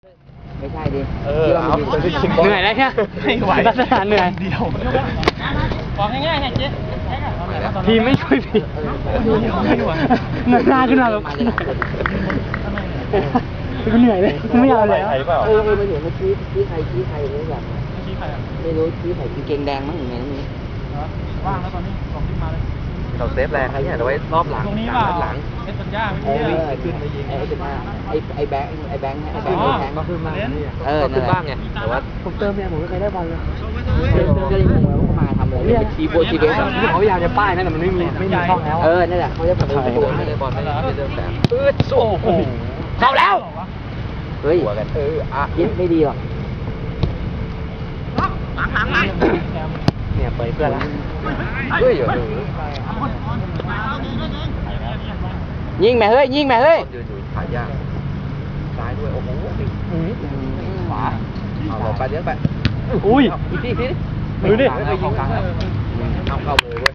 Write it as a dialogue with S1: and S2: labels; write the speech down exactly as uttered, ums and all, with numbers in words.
S1: ไม่ใช่ดิ
S2: เออเอาไปสิ
S3: เหนื่อยแล้วเนี่ยไม่ไหวลักษณะเหนื่อยเดียวบอกง่ายๆไงเจ๊ทีมไม่ช่วยพี่เงยหน้าขึ้นมาแบบกูเหนื่อยเลยกูไม่เอาแล้ว
S1: เออเออมาเห็นเมื่อกี้ชี้ใครชี้ใครไม่รู้แบบชี้ใครไม่รู้ชี้ใครกางเกงแดงมั้งอย่างเงี้ยนี่ว่างแล้วตอนนี้ลองขึ้นมาเลย
S2: เราเซฟแรงให้เนี่ยเอาไว้รอบหลัง
S3: ตรงนี้เปล่า
S2: หลัง
S3: เซ็นสัญญาไม่
S1: ไอ้
S3: ใช่
S1: ขึ้นไปยิงไอ้เป็นไอ้ไอ้แบงค์ไอ้แบงค์ไอ้แบงค์ไอ้แบงค์ก็ขึ้นมาเออ
S2: ขึ้นบ้างไงแต่ว่า
S1: ผมเติมเนี่ยผมไม่เคยได้บอลเลยเติมก็เลยงงว่าเขามาทำอะไรเนี่ยทีโบทีเบสที่เขาพยายามจะป้ายนั่นแต่มันไม่มีไม่มีช่องแล้วเออนั่นแหละเขาจะแบบ
S2: ไม่ได้บอลไม่ได้ไม่ได้แสบ
S1: เออโอ้โหเข้าแล้วเฮ้ย
S2: หัวกันเอออ่ะ
S1: ยิงไม่ดีหรอก
S2: เนี่ยเปิดเพื่อนละเฮ้ยเดี๋ยว
S1: ยิงแม่เฮ้ยยิงแม่เฮ้ย
S2: ยืนอยู่ขายากซ้ายด้วยโอ้โห
S1: ขวา
S2: เอาเราไปเลี้ยงไป
S3: อุ้ย
S2: อีกทีอีกที
S3: ดูดิ
S2: เข้ากลางแล้วเข้าเข้าเลยเว้ย